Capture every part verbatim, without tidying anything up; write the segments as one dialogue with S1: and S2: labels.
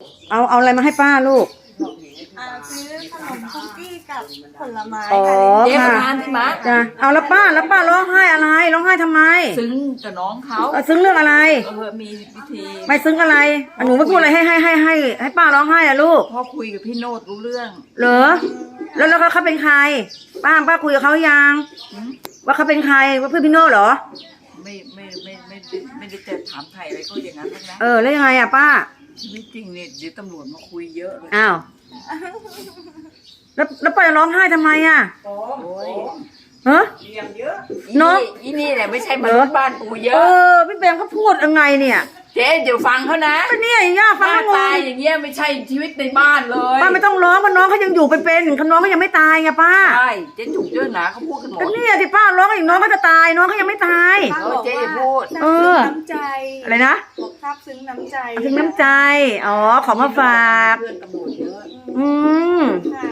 S1: เอาเอาอะไรมาให้ป้าลูก
S2: อ่าซื้อขนมคุกกี้กับผลไม้
S1: อ๋อ
S2: ค่ะ
S3: เจ๊ประ
S1: ค่ะ
S3: ธานใช่ไหม
S1: จ้ะเอาแล้วป้าแล้วป้าร้องไห้อะไรร้องไห้ทำไม
S3: ซึ้งกับน้องเขา
S1: เออซึ้งเรื่องอะไร
S3: เออมีวิธี
S1: ไม่ซึ้งอะไรหนูไม่พูดอะไรให้ให้ให้ให้ให้ป้าร้องไห้อะลูก
S3: พ่อคุยกับพี่โนดรู้เรื่อง
S1: เหรอแล้วแล้วเขาเป็นใครป้าป้าคุยกับเขายัง
S3: หืม
S1: ว่าเขาเป็นใครว่าเพื่อนพี่โน่เหรอ
S3: ไม่ไม่ไม่ไม่ไม่ไม่ได้จะถามไทยอะไรก็อย่างนั้นทั้งนั้น
S1: เออแล้วยังไงอะป้า
S3: ชีวิตจริงเนี่ยเดี๋ยวตำรวจมาคุยเยอะเลย
S1: อ้าวแล้วแล้วป้าจะร้องไห้ทำไมอะ
S3: โอ้ย
S1: เฮ้
S3: เลี้ยงเยอะ
S1: เนอะ
S3: อีนี่แหละไม่ใช่มนุษย์บ้านกูเย
S1: เอ
S3: อะ
S1: อพี่เบมเขาพูดยังไงเนี่ย
S3: เจ๊เดี๋ยวฟังเขานะ
S1: ก็เนี่ยย่า
S3: ห
S1: ฟัง
S3: น้า
S1: แล้วง
S3: ตาย
S1: ง
S3: อย่างเงี้ยไม่ใช่ชีวิตในบ้านเลย
S1: ป้าไม่ต้องร้องเพราะน้องเขายังอยู่เป็นๆเขาน้องเขายังไม่ตายไงป้า
S3: ใช่เจ๊จุกเจ้าหนาเขาพูดกันหม
S1: ก็
S3: ด
S1: เนี่ยที่ป้าร้องอีกน้องก็จะตายน้องเขายังไม่ตาย
S2: ป้าบอกว่า
S3: เจ๊อย่าพูด
S2: ซาบ
S1: เอ
S2: ซึ้
S1: อ
S2: งน้ำใจ
S1: อะไรนะ
S2: บอกซาบซึ้งน้ำใจ
S1: ถึงน้ำใจอ๋อของมาฝาก
S3: เพื่อนตำรวจเยอะ
S1: อืม
S2: ค่ะ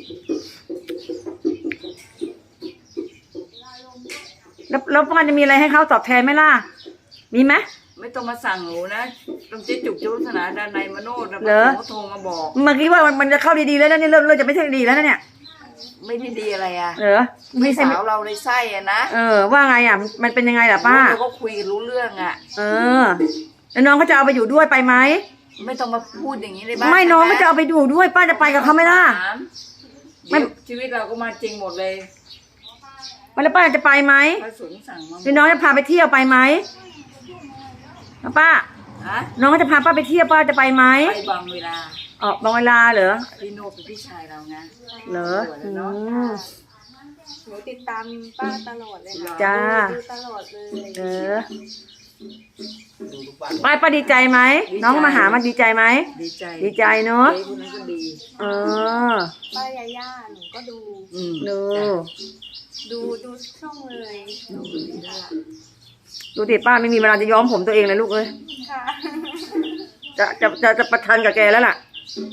S1: แล้วแล้วป้าจะมีอะไรให้เขาตอบแทนไหมล่ะมีไหม
S3: ไม่ต้องมาสั่งหนูนะต้องเจ๊จุกเจ้าศาสนาด้านในมโนดนะ
S1: เหรอ
S3: เขาโทรมาบอก
S1: เมื่อกี้ว่ามันมันจะเข้าดีๆแล้วนะนี่เริ่มเริ่มจะไม่ใช่ดีแล้วนะเนี่ย
S3: ไม่ได้ดีอะไรอ่ะ
S1: เหรอไม่
S3: พี่
S1: ใช่
S3: สาวเราในไส้อ่ะนะ
S1: เออว่าไงอ่ะมันเป็นยังไงล่ะป้า
S3: เราก็คุยกันรู้เรื่องอ่ะ
S1: เออแล้วน้องเขาจะเอาไปอยู่ด้วยไปไหม
S3: ไม่ต้องมาพูดอย่างนี้เลยบ้าง
S1: ไม่น้องก็จะเอาไปอยู่ด้วย ป้าจะไปกับเขาไหมล่ะ ไม่
S3: ไม่ชีวิตเราก็มาจริงหมดเลย
S1: แล้วป้าจะไปไหม
S3: พระสงฆ์สั่งมา
S1: พี่น้องจะพาไปเที่ยวไปไหมแล้วป้า
S3: ฮะ
S1: น้องก็จะพาป้าไปเที่ยวป้าจะไปไหม
S3: ไปบางเวลา
S1: ออกบางเวลาเหรอ
S3: พี่โนเป็นพี่ชายเรานะ
S1: เหรอ
S3: สวย
S1: อื
S3: แล้วเนาะ
S1: ม
S2: หนูติดตามป้าตลอดเลยค่ะ
S1: จ้า
S2: ดูตลอดเลย
S1: เออป้าป้าดีใจไหมน้องมาหามันดีใจไหม
S3: ดีใจ
S1: ดีใจเนอะ
S3: เจ๊คนนั้นก็ดี
S1: เออ
S2: ป้ายาย่าหนูก็ดู
S3: อืม
S1: ดู
S2: ดูดูช่องเลย
S3: ดูดีแล้วล่ะ
S1: ดูดิป้าไม่มีเวลาจะย้อมผมตัวเองเลยลูกเอ้ย
S2: ค่ะ
S1: จะจะจะจะประทันกับแกแล้วล่ะ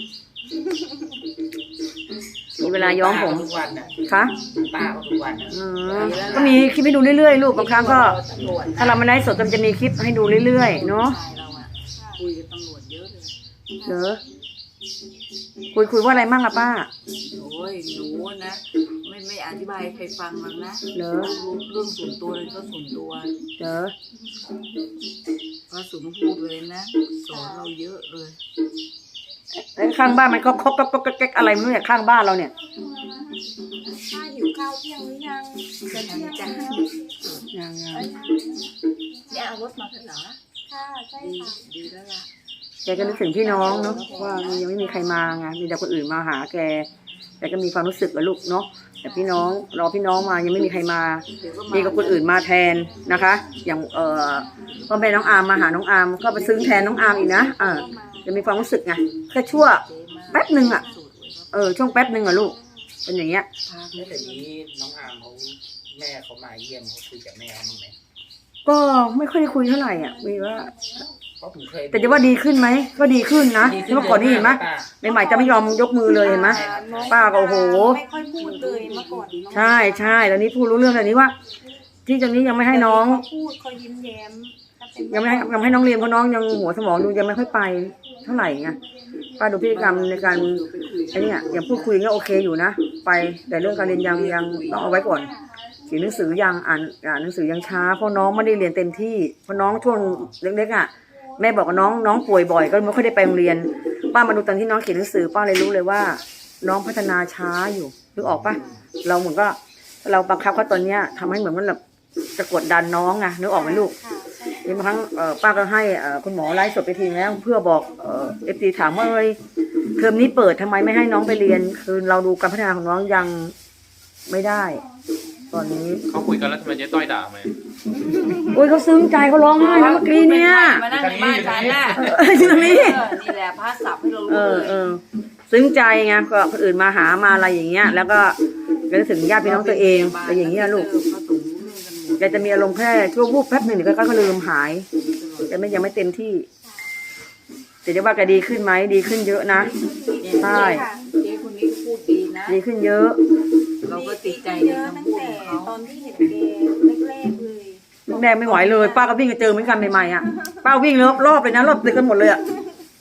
S1: มีเวลาย้อมผม
S4: ทุกวันน่ะ
S1: คะ
S4: ป้าเขาทุกวันน่ะ
S1: อืมก็มีคลิปให้ดูเรื่อยๆลูกบางครั้งก็
S3: ตำรวจนะ
S1: ถ้าเราไม่ได้สดมันจะมีคลิปให้ดูเรื่อยๆเนาะ
S3: ชายเราอะคุยกับตำรวจเยอะเลย
S1: เหรอคุยคุยว่าอะไรมั่งอะป้า
S3: โอ้ยหนูนะไม่ไม่อธิบายให้ใครฟังหรอกนะ
S1: เหรอ
S3: เรื่องส่วนตัวเลยก็ส่วนตัว
S1: เหรอ
S3: ก็สุนพูดเลยนะสอนเราเยอะเลย
S1: แล้วข้างบ้านมันก็คกก็ก็แก๊กอะไรไม่รู้เนี่ยข้างบ้านเราเนี่ย
S2: ป้าหิวข้าวเที่ยงหรือยังจะเที่ยงแล้ว
S1: ยังยัง
S3: เนี่ยเอารถมาเถอะเหรอ
S2: ค่ะใช่
S3: ดี
S2: ค่ะ
S3: ดีแล้วล่ะ
S1: แกก็นึกถึงพี่น้องเนาะว่ายังไม่มีใครมาไงมีแต่คนอื่นมาหาแกแกก็มีความรู้สึกกับลูกเนาะแต่พี่น้องรอพี่น้องมายังไม่มีใครมา
S3: เดี๋ยวก็
S1: มีกับคนอื่นมาแทนนะคะ อย่างเอ่อพ่อแม่น้องอาร์มมาหาน้องอาร์มก็ไปซึ้งแทนน้องอาร์มอีกนะเออจะมีความรู้สึกไงแค่ชั่วแป๊บหนึ่งอ่ะเออช่วงแป๊บหนึ่งอ่ะลูกเป็นอย่างเงี้ย
S4: แล้วแต่นี้น้องอามเขาแม่เขามาเยี่ยมเขาคุยกับแม่เขาบ้างไหม
S1: ก็ไม่ค่อยได้คุยเท่าไหร่อ่ะมีว่า
S4: เพราะผมเคย
S1: แต่จะว่าดีขึ้นไหมก็ดีขึ้นนะ
S4: ดีขึ้
S1: เมื่อก่อนนี่เห็นไหม
S4: ป้า
S1: ใหม่ๆจะไม่ยอมยกมือเลยเห็นไหม
S2: น้อง
S1: ป้าก็โอ้โห
S2: ไม่ค่อยพูดเลยเมื่อก่อนน้อง
S1: ใช่ใช่ตอนนี้พูดรู้เรื่องตอนนี้ว่า ที่ตอนนี้ยังไม่ให้น้อง
S2: เขาพูดเขายิ้มแย้มถ้าเป็น
S1: ยังไม่ให้ยังไม่ให้น้องเรียนเพราะน้องยังหัวสมองดูยังไม่ค่อยไปเท่าไหร่ไงป้าดูพฤติกรรมในการไอ้นี่อย่างพูดคุยก็โอเคอยู่นะไปแต่เรื่องการเรียนยังยังต้องเอาไว้ก่อนเขียนหนังสือยังอ่านอ่านหนังสือยังช้าเพราะน้องไม่ได้เรียนเต็มที่เพราะน้องช่วงเล็กๆอ่ะแม่บอกว่าน้องน้องป่วยบ่อยก็ไม่ค่อยได้ไปโรงเรียนป้ามาดูตอนที่น้องเขียนหนังสือป้าเลยรู้เลยว่า น้องพัฒนาช้าอยู่นึกออกปะเราเหมือนก็เราบังคับเขาตอนเนี้ยทำให้เหมือนว่าแบบจะกดดันน้องไงนึกออกไหมลูก
S2: ค่ะใช่
S1: บางครั้งเอ่อป้าก็ให้เอ่อคุณหมอไลฟ์สดไปทีแล้วเพื่อบอกเอ่อฟซีถามว่าเอ้ยเทอมนี้เปิดทำไมไม่ให้น้องไปเรียน คือเราดูการพัฒนาของน้องยังไม่ได้ ตอนนี้
S5: เขาคุยกันแล้วทำไมเจ๊ต้อยด่าไหม
S1: โอ้ยเขาซึ้งใจเขาร้องไห้นะเมื่อกี้เนี่ย
S3: มานั่งในบ้านฉันน่ะ
S1: เอออยู่ตรงนี้
S3: เออนี่แหละพระสับให้เรา
S1: เอ
S3: รู้
S1: อ
S3: เลย
S1: เออซึ้งใจไงก็คนอื่นมาหามาอะไรอย่างเงี้ย แล้วก็ก็นึกถึงญาติพี่น้องตัวเองเป็นอย่างเงี้ยลูก
S3: พระสงฆ์รู้เรื่องกันหมด
S1: แกจะมีอารมณ์แค่ชั่ววูบแป๊บหนึ่งเดี๋ยวก็ก็ลืมหายแต่ไม่ยังไม่เต็มที่แต่จะว่าแกดีขึ้นไหมดีขึ้นเยอะนะ ใช่
S3: เจ๊คนนี้พูดดีนะ
S1: ดีขึ้นเยอะ
S3: เราก็ติดใจ
S2: เย
S3: ใน
S2: อะตั้ง
S3: คำพูด
S2: แต่
S3: ของ
S2: ต
S3: เขา
S2: อนที่เห็นแกแรกๆเลย
S1: แดงไม่ไหวเลย ป้าก็วิ่งไปเจอเหมือนกันใหม่ๆอ่ะป้าวิ่งรอบรอบเลยนะรอบตึกกันหมดเลยอ่ะ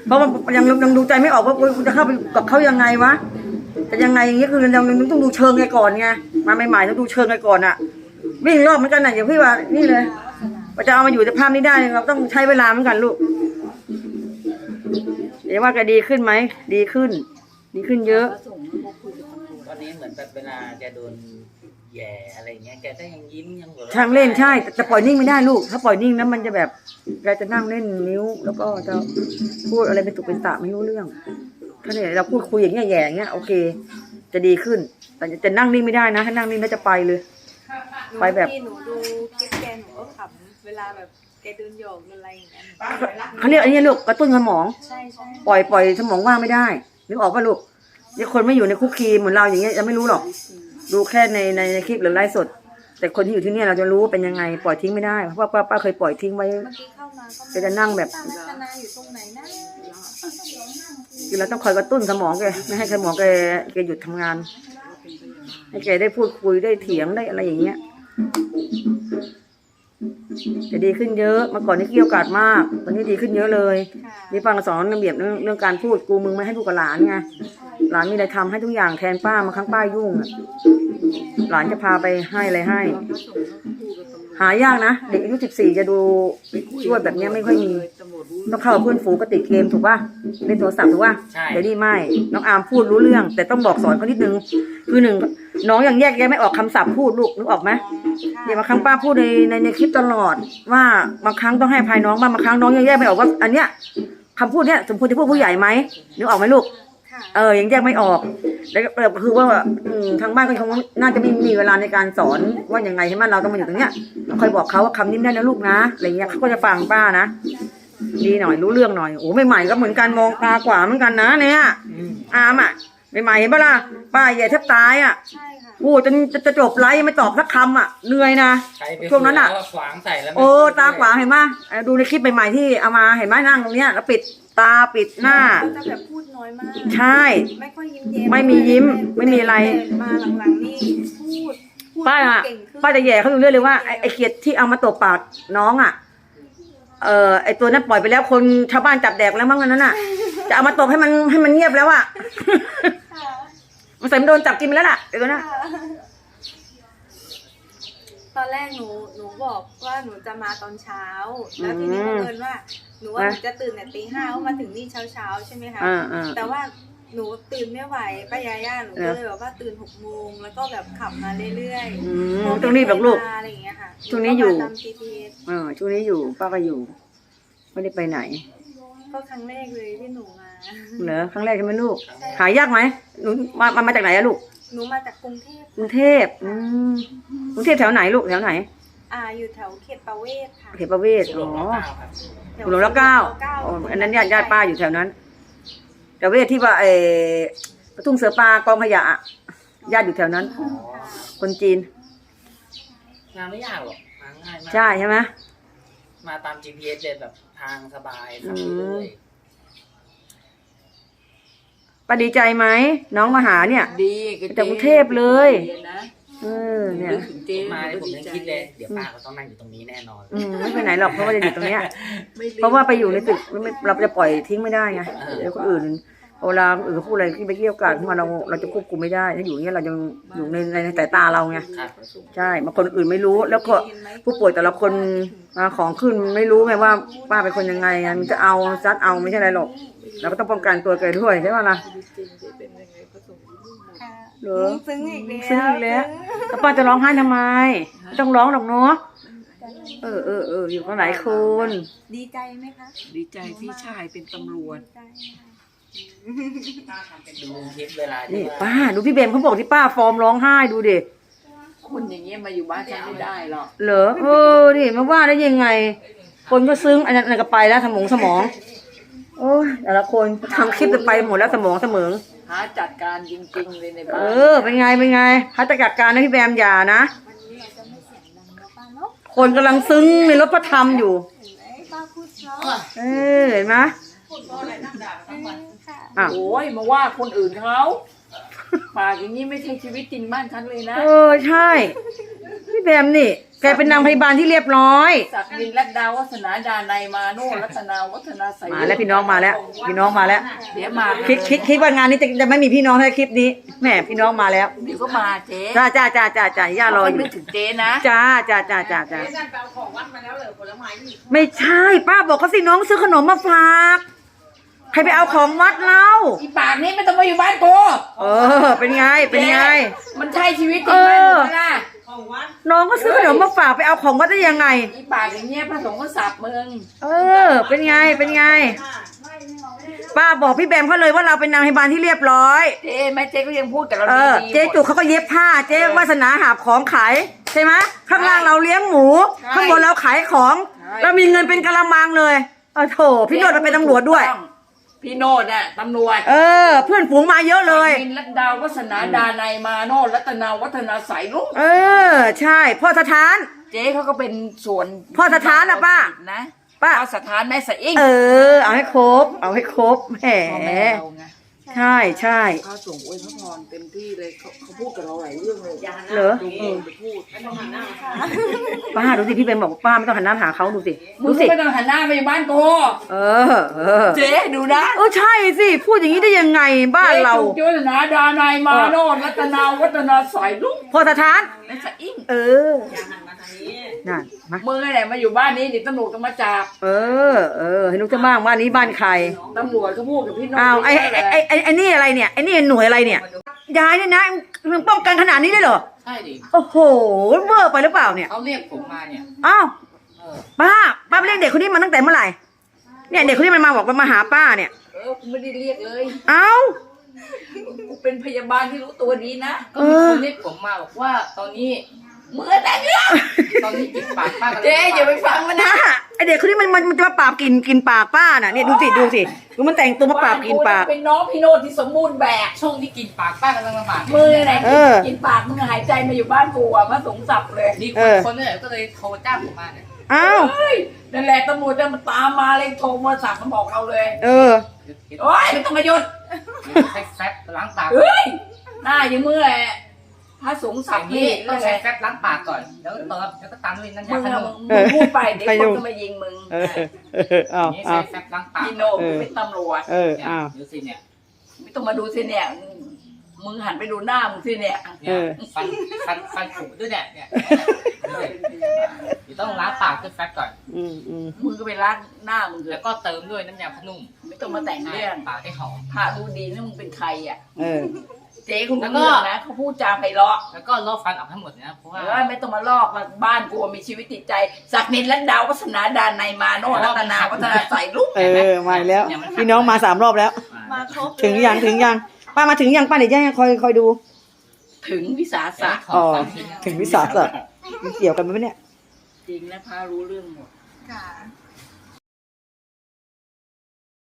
S1: เพราะว่ายังยังดูใจไม่ออกว่าคุณจะเข้าไปกับเขายังไงวะแต่ยังไงอย่างเงี้ยคือเราต้องดูเชิงไงก่อนไงมาใหม่ๆต้องดูเชิงไงก่อนอะวิ่งรอบเหมือนกันนะอย่างพี่ว่านี่เลยเราจะเอามาอยู่ในภาพนี้ได้เราต้องใช้เวลาเหมือนกันลูกเดี๋ยวว่าแกดีขึ้นไหมดีขึ้น ดีขึ้นเยอะ
S4: วันนี้เหมือนแบบเวลาแกโดนแย่อะไรเงี้ยแกก็ยังยิ้มยังหัวเราะ
S1: ช่างเล่นใช่แต่ปล่อยนิ่งไม่ได้ลูกถ้าปล่อยนิ่งนะมันจะแบบแกจะนั่งเล่นนิ้ว แล้วก็จะพูดอะไรเป็นตุเป็นตะไม่รู้เรื่องถ้าเนี่ยเราพูดคุยอย่างเงี้ยแย่อย่างเงี้ยโอเค จะดีขึ้น แต่จะนั่งนิ่งไม่ได้นะถ้านั่งนิ่งแล้วจะไปเลย
S2: หนู
S1: ไปแบบ
S2: ที่หนูดูคลิปแกหนูก็ขำเวลาแบบแกเดินโยกอะไรอย่างเงี้ย
S1: เขาเรียกอันนี้ลูกกระตุ้นสมอง
S2: ใช่ใช่
S1: ปล่อยปล่อยสมองว่างไม่ได้นึกออกป่ะลูกนี่คนไม่อยู่ในคุกคีเหมือนเราอย่างเงี้ยจะไม่รู้หรอกดูแค่ในในในคลิปหรือไลฟ์สด แต่คนที่อยู่ที่เนี่ยเราจะรู้ว่าเป็นยังไงปล่อยทิ้งไม่ได้เพราะว่าป้าป้าเคยปล่อยทิ้งไว้
S2: เมื่อกี้เข้ามาก็
S1: แกจะนั่งแบบ
S2: ป้ารัตนาอยู่ตรงไหนนะ
S1: คือเราต้องคอยกระตุ้นสมองแกไม่ให้สมองแกแกหยุดทำงาน ให้แกได้พูดคุยได้เถียงได้อะไรอย่างเงี้ยจะดีขึ้นเยอะเมื่อก่อนนี่เกี่ยวกาดมากตอนนี้ดีขึ้นเยอะเลย
S2: ค่ะ
S1: นี่ป้าก็สอนระเบียบเรื่องเรื่องการพูดกูมึงไม่ให้พูดกับหลานไงหลานมีอะไรทำให้ทุกอย่างแทนป้ามาครั้งป้ายุ่งอะหลานจะพาไปให้อะไรให้ หายากนะเด็กอายุสิบสี่จะดูช่วยแบบเนี้ยไม่ค่อยมีต้องเข้ากับเพื่อนฝูงก็ติดเกมถูกป่ะเล่นโทรศัพท์ถูกป่ะ
S4: ใช่
S1: เดี๋ยวนี้ไม่น้องอาร์มพูดรู้เรื่อง แต่ต้องบอกสอนเขานิดนึงคือหนึ่งน้องยังแยกแยะไม่ออกคำศัพท์พูดลูกนึกออกไหมเดี๋ยวบางครั้งป้าพูดในในในคลิปตลอดว่าบางครั้งต้องให้อภัยน้องบ้างบางครั้งน้องยังแยกไม่ออกว่าอันเนี้ยคำพูดเนี้ยสมควรจะพูดผู้ใหญ่ไหมนึกออกไหมลูก
S2: ค่ะ
S1: เออยังแยกไม่ออกแล้วก็คือว่าอืมทางบ้านก็คงน่าจะไม่มีเวลาในการสอนว่ายังไงใช่ไหมเราต้องมาอยู่ตรงเนี้ยเราคอยบอกเขาว่าคำนี้ได้นะลูกนะอะไรเงี้ยเขาก็จะฟังป้านะดีหน่อยรู้เรื่องหน่อยโอ้ใหม่ๆก็เหมือนกันมองตากว่าเหมือนกันนะเนี่ย
S4: อืม
S1: อามอ่ะใหม่ๆเห็นปะล่ะป้าแย่แทบตายอ่ะ
S2: ใช่ค่ะ
S1: โอ้จนจะจะจบไลฟ์ยังไม่ตอบสักคำอ่ะเหนื่อยนะ
S4: ใครไป
S1: ช่วงนั้นอะ
S4: คุยแล้วก็ขวางใส่แล้วไม่
S1: โอ้
S4: พูด
S1: ตาขวางเห็นปะเออดูในคลิปใหม่ๆที่เอามาเห็นไหมนั่งตรงเนี้ยแล้วปิดตาปิดหน้า
S2: เขาจะแบบพูดน้อยมาก
S1: ใช่
S2: ไม่ค่อยยิ้มเย้ม
S1: ไม่มียิ้มไม่มีอะไร
S2: แต่มาหลังๆนี่พูดพูด
S1: ป้าอะ
S2: เก่งขึ้น
S1: ป้าจะแย่เขาอยู่เรื่อยเลยว่าไอ้ไอ้เขียดที่เอามาตบปากน้องอ่ะเออไอ้ตัวนั้นปล่อยไปแล้วคนชาวบ้านจับแดกแล้วมั้งอันนั้นอ่ะ จะเอามาตบให้มันให้มันเงียบแล้วอ่ะ
S2: ค่ะ
S1: มันใส่มันโดนจับกินไปแล้วล่ะไอ้ตัวนั้น
S2: ตอนแรกหนูหนูบอกว่าหนูจะมาตอนเช้า แล้วทีนี้บังเอิญว่าหนูว่าหนูจะตื่นแต่ตีห้าเพราะมาถึงนี่เช้าเช้าๆใช่ไหมคะ
S1: อ่าอ่า
S2: แต่ว่าหนูตื่นไม่ไหวป้ายาย่าหนูก็เลยแบบว่าตื่นหกโมงแล้วก็แบบขับมาเรื่อย
S1: อื
S2: ๆ
S1: ม
S2: พอ
S1: ต้องรีบหรอกลูก
S2: มาอะไรอย่างเงี้ยค่ะ
S1: ช่วงนี้อยู่
S2: หก็มาตาม จี พี เอส
S1: เออช่วงนี้อยู่ป้าก็อยู่ไม่ได้ไปไหน
S2: ก็ครั้งแรกเลยที่หนูมา
S1: เหรอครั้งแรกใช่ไหมลูกหายากไหมหนูมามามาจากไหนอะลูก
S2: หนูมาจากกรุงเทพ
S1: กรุงเทพอืมกรุงเทพแถวไหนลูกแถวไหน
S2: อ่าอยู่แถวเขตประเวศค่ะ
S1: เขตประเวศ
S4: สุ
S1: อ๋
S4: ร
S1: อ
S4: เก้าครับ
S2: แถว
S1: หลวงรัชเก้า
S2: เก้า
S1: อ๋ออันนั้นญาติญาติป้าอยู่แถวนั้นแต่เวทที่ว่าเออประทุ่งเสือปลากองขยะอะญาติอยู่แถวนั้น
S4: อ๋อ
S1: คนจีน
S4: งานไม่ยากหรอกมาง่ายมาก
S1: ใช่ใช่ไหม
S4: มาตาม จี พี เอส เลยแบบทางสบายขับ
S1: อื
S4: ไป
S1: ม
S4: เลย
S1: ป้าดีใจไหมน้องมาหาเนี่ย
S3: ดีบ
S1: จากกรุงเทพเลย
S3: ดีนะ
S1: เออเนี่ย
S3: นึกถึงเจ๊
S4: มาเนี่ยผม
S3: ดี
S4: ยัง
S3: ใจ
S4: คิดเลยเดี๋ยวป้าก็ต้องนั่งอยู่ตรงนี้แน่นอน
S1: อืมไม่ไปไหนหรอกเพราะว่าจะอยู่ตรงเนี้ย
S3: ไม่ลืม
S1: เพราะว่าไปอยู่ในตึกไม่เราจะปล่อยทิ้งไม่ได้ไงเดี๋ยวคนอื่นเวลาคนอื่นเขาพูดอะไรที่ไปเกี่ยวกันขึ้นมาเราเราจะควบคุมไม่ได้ถ้าอยู่อย่างเงี้ยเรายังอยู่ในในสายตาเราไง
S4: ครับ
S1: ใช่บางคนอื่นไม่รู้แล้วก็ผู้ป่วยแต่ละคนมาของขึ้นไม่รู้ไงว่าป้าเป็นคนยังไงไงมันจะเอาซัดเอาไม่ใช่อะไรหรอกเราก็ต้องป้องกันตัวแกด้วยใช่ไหมล่ะ
S3: จริงๆเป็นยังไงก็ส่งรูปหมด
S2: ค่ะ
S1: เหรอ
S2: ซึ้งอีกแล้ว
S1: ซึ้งอีกแล้วแล้วป้าจะร้องไห้ทำไมไม่ต้องร้องหรอกเนาะเออเออเอออยู่กันหลายคน
S2: ดีใจไหมคะ
S3: ดีใจพี่ชายเป็นตำรวจ
S2: ดีใจค่ะ
S4: ดูคลิปเวลาที่
S1: นี่
S4: ว่า
S1: ป้าดูพี่เบมเขาบอกที่ป้าฟอร์มร้องไห้ดูดิ
S3: คนอย่างเงี้ยมาอยู่บ้านฉันไม่ได้หรอก
S1: เหรอเออดิมาว่าได้ยังไง คนก็ซึ้งอันนั้นอันนั้นก็ไปแล้วสมองสมองโอ้ยแต่ละคนทำคลิปจะไปหมดแล้วสมองเสมอ
S3: หาจัดการจริงๆเลยใน
S1: เอ
S3: บ้าน
S1: อเป็นไงเป็นไงพัฒจัดการนะพี่แบมอย่านะ
S2: วันนี้เราจะไม่เสียงดังแล้วป้าเนาะ
S1: คนกำลังซึ้งในรถพระธรรมอยู่
S2: เห็นไหมป้าพูดเพราะ
S1: เออเห็นไหม
S2: เออค่ะ
S1: อ้าว
S3: โอ้ยมาว่าคนอื่นเขาปากอย่างนี้ไม่ใช่ชีวิตจริงบ้านฉันเลยนะ
S1: เออใช่พี่แบมนี่แกเป็นนางพยาบาลที่เรียบร้อย
S3: ศักดินรัตดาวัฒนาดานัยมาโนรัตนาวัฒนาใส
S1: มาแล้วพี่น้องมาแล้ว พี่น้องมาแล้ว
S3: เดี๋ยวมา
S1: คิดคิดคิดว่างานนี้จะจะไม่มีพี่น้องในคลิปนี้แหมพี่น้องมาแล้ว
S3: เดี๋ยวก็มาเจ๊
S1: จ้าจ้าจ้าจ้าจ้าย่ารออยู่
S3: นึกถึงเจ๊นะ
S1: จ้าจ้าจ้าจ้าจ้าไม่ใช่ป้าบอกเขาสิน้องซื้อขนมมาฝากใครไปเอาของวัดเล่า
S3: อีปากนี้ไม่ต้องมาอยู่บ้านกู
S1: เออเป็นไงเป็นไง
S3: มันใช่ชีวิตจริงไหม
S1: เออ
S3: มึงล่ะ
S1: น้องก็ซื้อขนมมาฝากไปเอาของวัดได้ยังไง
S3: อีปากอย่างเงี้ยพระสงฆ์ก็สับมึง
S1: เออ เป็นไงเป็นไง ป้าบอกพี่แบมเขาเลยว่าเราเป็นนางพยาบาลที่เรียบร้อย
S3: เจ๊แม่เจ๊ก็ยังพูดกับเรา
S1: เออ
S3: ดีๆ
S1: เจ๊จุกเขาก็เย็บผ้า เจ๊วาสนาหาบของขายใช่ไหมข้างล่างเราเลี้ยงหมู ข้างบนเราขายของเรามีเงินเป็นกะละมังเลยเออโถพี่โนดมาเป็นตำรวจด้วย
S3: พี่โนดน่ะตำรวจ
S1: เออ เพื่อนฝูงมาเยอะเลย
S3: มินรัตดาวัฒนาดานัยมาโนรัตนาวัฒนาใสลุง
S1: เออ ใช่พ่อสถาน
S3: เจ๊เขาก็เป็นส่วน
S1: พ่อสถานน่ะป้า
S3: นะ
S1: ป้า
S3: พ่อสถานแม่สะอิ่ง
S1: เออ เอาให้ครบ เอาให้ครบแหม
S3: พ่อแม่เราไง
S1: ใช่ใช่
S3: พระสงฆ์อวยพระพรเต็มที่เลยเขาเขาพูดกับเราหลายเรื่องเลย
S1: เหรอ
S3: ดู
S1: เออ
S3: ไปพูด
S1: ป้าดูสิพี่เบนบอกว่าป้าไม่ต้องหันหน้าหาเขาดูสิ
S3: มึ
S1: ดู
S3: ง
S1: สิ
S3: ไม่ต้องหันหน้าไปบ้านกู
S1: เออ เออ
S3: เจ๊ดูนะ
S1: เออใช่สิพูดอย่างนี้ได้ยังไงบ้านเรา
S3: จ๊จุกวัฒนาดานัยมาโนรัตนาวัฒนาใสลุง
S1: พ่อสถาน
S3: แม่สะอิ่ง
S1: เออนั่นมา
S3: มึงไอ้ไหนมาอยู่บ้านนี้เดี๋ยวตำรวจก็มาจับ
S1: เออ เออให้นุกจะบ้างบ้านนี้บ้านใคร
S3: ตำรวจก็พูดกับพี่โนด
S1: อ้าวไอ้ไอ้ไอ้ไอ้ไอ้นี่อะไรเนี่ยไอ้นี่หน่วยอะไรเนี่ยยายเนี่ยนะมึงป้องกันขนาดนี้ได้เหรอ
S4: ใช่ดิ
S1: โอ้โหเวอร์ไปหรือเปล่าเนี่ย
S4: เขาเรียกผมมาเนี่ย
S1: อ้าว
S4: เออ
S1: ป้าป้าไปเรียกเด็กคนนี้มาตั้งแต่เมื่อไหร่เนี่ยเด็กคนนี้มันมาบอกว่ามาหาป้าเนี่ย
S3: เออกูไม่ได้เรียกเลย
S1: เอ้า
S3: กูเป็นพยาบาลที่รู้ตัวดีนะ
S4: ก็มีคนเรียกผมมาบอกว่าตอนนี้
S3: เมื่อแต่เรื่อง
S4: ตอนนี้กินปากป้ากัน
S3: เจ๊อย่าไปฟังมันนะ
S1: นะไอเด็กคนนี้มันมันมันจะมาปราบกินกินปากป้าน่ะเนี่ยดูสิดูสิดูมันแต่งตัวมาปราบกินปาก
S3: เป็นน้องพี่โนดที่สมบูรณ์แบบ
S4: ช่วงที่กินปากป้ากำลังลำบาก
S3: มือไหน
S1: เออ
S3: กินปากมึงหายใจมาอยู่บ้านกูอ่ะมาสงสับเลย
S4: มีค
S1: เอน อ
S4: คนเนี่ยก็เลยโทรจ้างผมมาเนี่ย
S1: เอ้า
S3: เฮ้ยนั่นแหละตำรวจจะมาตามมาเลยโทรมาสับมาบอกเราเลย
S1: เออ
S3: โอ๊ยไม่ต้องมาหยุด
S4: ใช้แฟบล้างปาก
S3: เฮ้ยหน้าอย่างมือแหละพระสงฆ์
S4: อ
S3: สับ
S4: ย่าง
S3: นี่
S4: นี้ต้
S3: นั่
S4: อง
S3: นแห
S4: ใช้
S3: ละ
S4: แฟบล้างปากก่อนแล้วก็เติมแล้วก็ตามด้วยน้ำ
S3: มึ
S4: ยาง ขน
S3: อะ
S4: ม
S3: มึงมึงพูดไปเดี๋ยว
S1: ใคร
S3: ค
S1: ยุ่
S3: น
S1: ง
S3: จะมายิงมึง
S1: เออเออ
S4: อ
S1: เอา
S4: ย่างนี้
S1: เอา
S4: ใช้แฟบล้างปาก
S3: พี่โนดกูเป็นตำรวจ
S1: เออ
S4: เนี่ย
S1: เอา
S4: ดูสิเนี่ย
S3: ไม่ต้องมาดูสิเนี่ย มึงหันไปดูหน้ามึงสิเนี่ย
S4: เนี่ยฟันฟันฟันผุด้วยเนี่ยเนี่ยเดี๋ยวต้องล้างปากด้วยแฟบก่อน
S1: อืมอืม
S3: มึงก็ไปล้างหน้ามึงเถ
S4: แล้ว
S3: อะ
S4: ก็เติมด้วยน้ำยาพนุ่ม
S3: ไม่ต้องมาแต่งเรื่อง
S4: ปากให้หอม
S3: พระดูดีนะมึงเป็นใครอ่ะ
S1: เออ
S3: เจ๊คุณ
S4: แล้
S3: รู้
S4: วก็
S3: เรื่องนะเขาพูดจาไพเราะ
S4: แล้วก็ลอกฟันออกทั้งหมดนะเพราะว่า
S3: เออไม่ต้องมาลอกมาบ้านกูมีชีวิตจิตใจศักดินและดาววัฒนาดานในยมาโนรัตนาวัฒนาใส่ลุก
S1: เออมาอีกแล้วพี่น้องมาสามรอบแล้ว
S2: มาครบ
S1: ถึงยังถึงยังป้ามาถึงยังป้าเดี๋ยวยังคอยคอยดู
S3: ถึงวิสาสะ
S1: อ๋อถึงวิสาสะมันเกี่ยวกันไหมเนี่ย
S3: จริงนะพระรู้เรื่องหมด
S2: ค่ะ